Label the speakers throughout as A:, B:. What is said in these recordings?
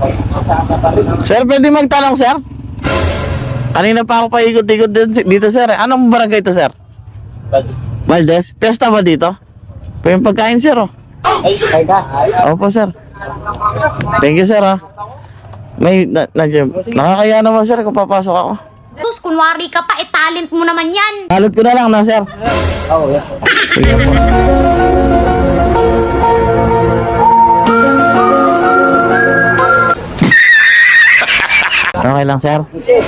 A: Sir, pwede magtanong, sir? Kanina pa ako paikot-ikot dito, sir. Anong barangay ito, sir? Valdez? Pesta ba dito? Pa yung pagkain, sir, oh. Opo, sir. Thank you, sir, ah. Nakakaya naman, sir, kung papasok ako.
B: Tus, kunwari ka pa, talent mo naman yan.
A: Balot ko na lang, na, sir.
C: Oo, yes.
A: Sige po. Okay lang, sir.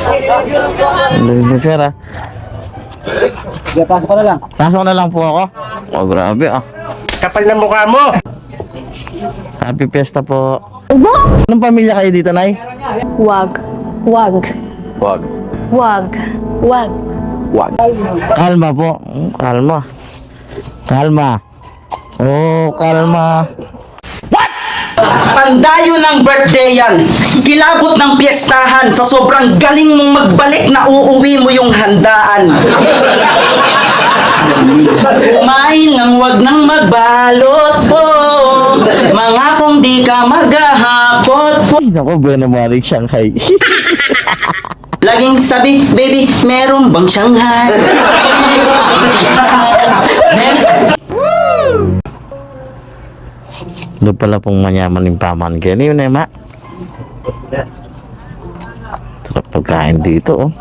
A: Sir, ah.
C: Sige, pasok ka na lang.
A: Pasok na lang po ako. Oh, grabe, ah.
D: Kapal ng mukha mo!
A: Happy Fiesta po. Anong pamilya kayo dito, Nay?
E: Wag. Wag.
A: Wag.
E: Wag. Wag.
A: Wag. Kalma po. Kalma. Kalma. Oh, kalma.
F: Pandayo ng birthday yan. Kilabot ng piyestahan. Sa sobrang galing mong magbalik na uuwi mo yung handaan. Kumain ng wag nang magbalot po. Mga kung di ka maghahapot po.
A: Ay, naku, buena maring Shanghai.
F: Laging sabi, baby, meron bang Shanghai?
A: Doon pala pong manyaman yung paman kayo. Ano yun, Ema? Sarap pagkain dito, oh.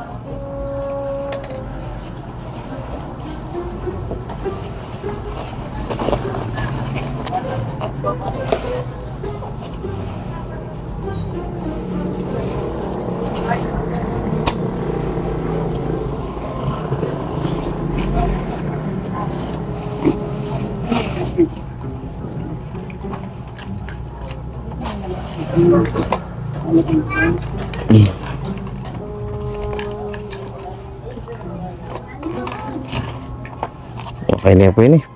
A: Okay na po ini.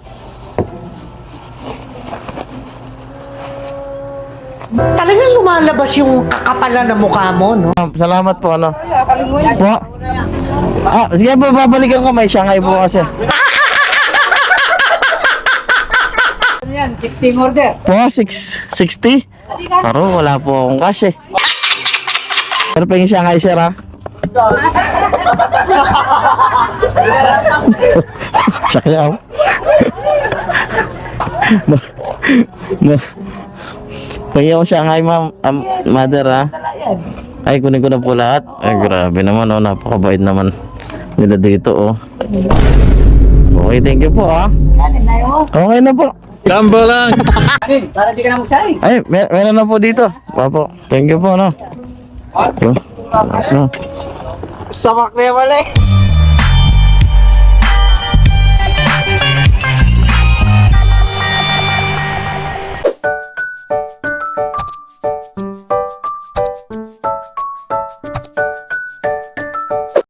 G: Talagang lumalabas yung kakapalan ng mukha mo, no?
A: Salamat po, ano? Po? Ah, sige po, babalikan ko. May Shanghai po kasi.
C: Yan, 16 order.
A: Po, 660? Pero wala po akong cash, eh. Pero pa yung Shanghai, sir, ha? Sayaw. Pagyan ko Shanghai, ma'am, mother, ha? Ay, kunin ko na po lahat. Ay, grabe naman, oh. Napakabait naman nila dito, oh. Okay, thank you po, ha? Okay na po.
D: Gamba lang!
C: Para di ka na magsaing.
A: Ay, meron na po dito. Papo, thank you po, no? Yo. No.
G: Samak na yung mali.